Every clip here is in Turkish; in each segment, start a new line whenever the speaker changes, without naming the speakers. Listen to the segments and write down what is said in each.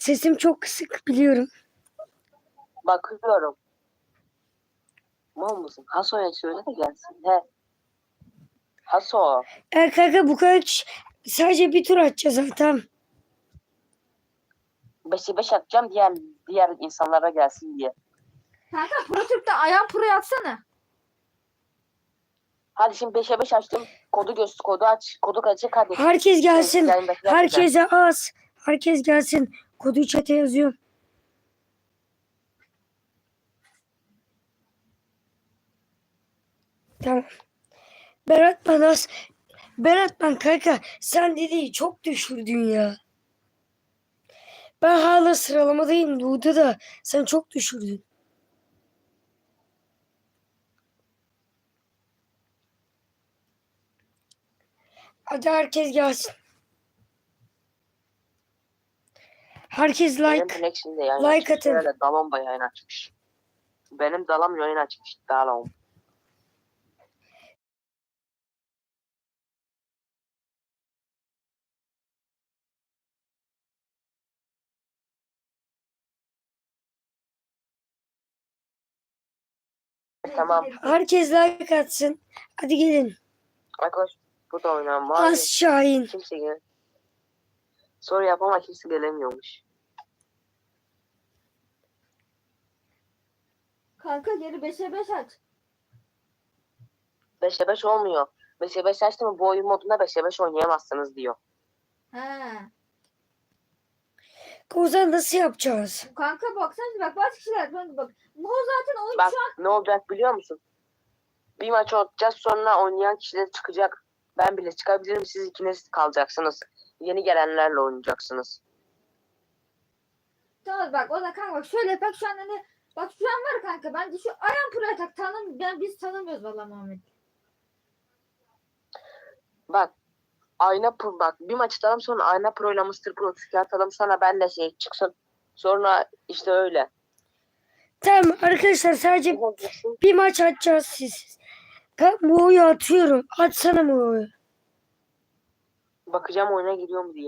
Sesim çok kısık biliyorum.
Bakıyorum. Mal mısın? Haso'ya söyle de gelsin. He. Haso.
Kanka bu kadar sadece bir tur atacağız zaten.
5'e 5 atacağım diğer insanlara gelsin diye.
Kanka Pro Türk'te ayağın Pro'yu atsana.
Hadi şimdi 5'e 5 açtım. Kodu aç. Kodu kaçacak hadi.
Herkes gelsin.
Yayındakiler de
Herkese az. Herkes gelsin. Kodu chat'e yazıyorum. Tamam. Berat ben kanka sen dediği çok düşürdün ya. Ben hala sıralamadayım Duda da sen çok düşürdün. Hadi herkes gelsin. Herkes
Benim
like
Flex'in de yayın
like
açmış.
atın.
Öyle Dalom da yayın açmış. Benim Dalam yayın açmış. Dalom. Tamam.
Herkes like atsın. Hadi gelin.
Arkadaş bu da oynayan var.
Az Şahin.
Kimse gel. Soru yap ama kimse gelemiyormuş.
Kanka geri 5'e 5 aç.
5'e 5 olmuyor. 5'e 5 açtım mı bu oyun modunda 5'e 5 oynayamazsınız diyor.
He.
Kozan nasıl yapacağız?
Kanka baksana bak bazı kişiler bak. Bu zaten oyun
Bak
şu an.
ne olacak biliyor musun? Bir maç oynayacağız sonra oynayan kişiler çıkacak. Ben bile çıkabilirim siz ikiniz kalacaksınız. Yeni gelenlerle oynayacaksınız.
Tamam bak o da kanka bak şöyle bak şu an hani bak şu an var kanka bence şu ayağın Pro'ya tak biz tanımıyoruz valla Muhammed.
Bak bak bir maç atalım sonra Ayna Pro ile Mr. Pro atalım sonra ben de çıksın. Sonra işte öyle.
Tamam arkadaşlar sadece bir maç atacağız siz. Muo'yu atıyorum. Atsana Muo'yu.
Bakacağım oyuna giriyor mu diye.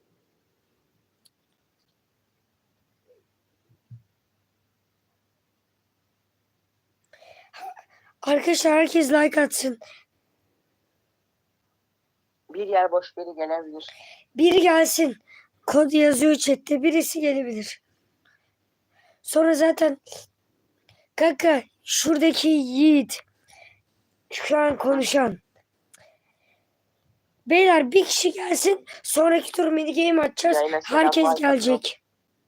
Arkadaşlar herkes like atsın.
Bir yer boş biri gelebilir.
Biri gelsin. Kod yazıyor chatte. Birisi gelebilir. Sonra zaten kanka şuradaki Yiğit şu an konuşan. Beyler bir kişi gelsin. Sonraki tur mini game atacağız. Herkes gelecek.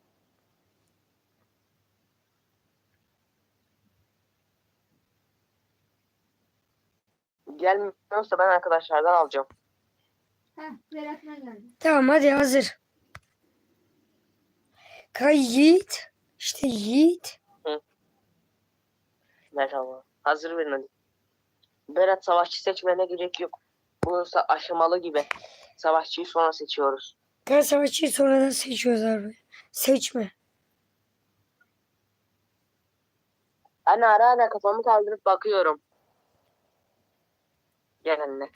Gelmiyorsa ben arkadaşlardan alacağım.
Heh Berat'ına geldi.
Tamam hadi hazır. Yiğit. İşte Yiğit.
Merhaba. Hazır verin hadi. Berat savaşçı seçmene gerek yok. Bu aşamalı gibi. Savaşçıyı sonra seçiyoruz.
Savaşçıyı sonradan seçiyoruz abi. Seçme.
Anne ara kafamı kaldırıp bakıyorum. Gel anne.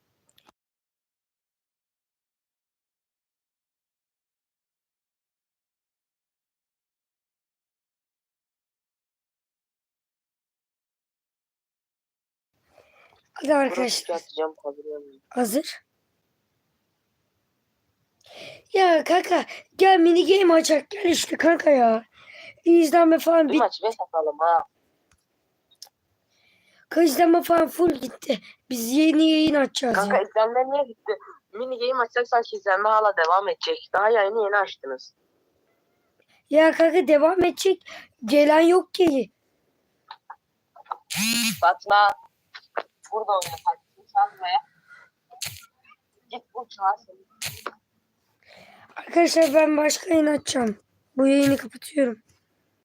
Hadi arkadaşlar.
Atacağım,
hazır. Ya kanka gel mini game açak gel işte kanka ya. İzlenme falan
bir maç 5 atalım ha.
İzlenme falan full gitti. Biz yeni yayın açacağız
Kanka
ya.
izlenme niye gitti? Mini game açacak sanki izlenme hala devam edecek. Daha yeni açtınız.
Ya kanka devam edecek. Gelen yok ki.
Fatma. Burada oyna Fatma. Çalmaya. Git bu çalsın.
Arkadaşlar ben başka yayın açacağım. Bu yayını kapatıyorum.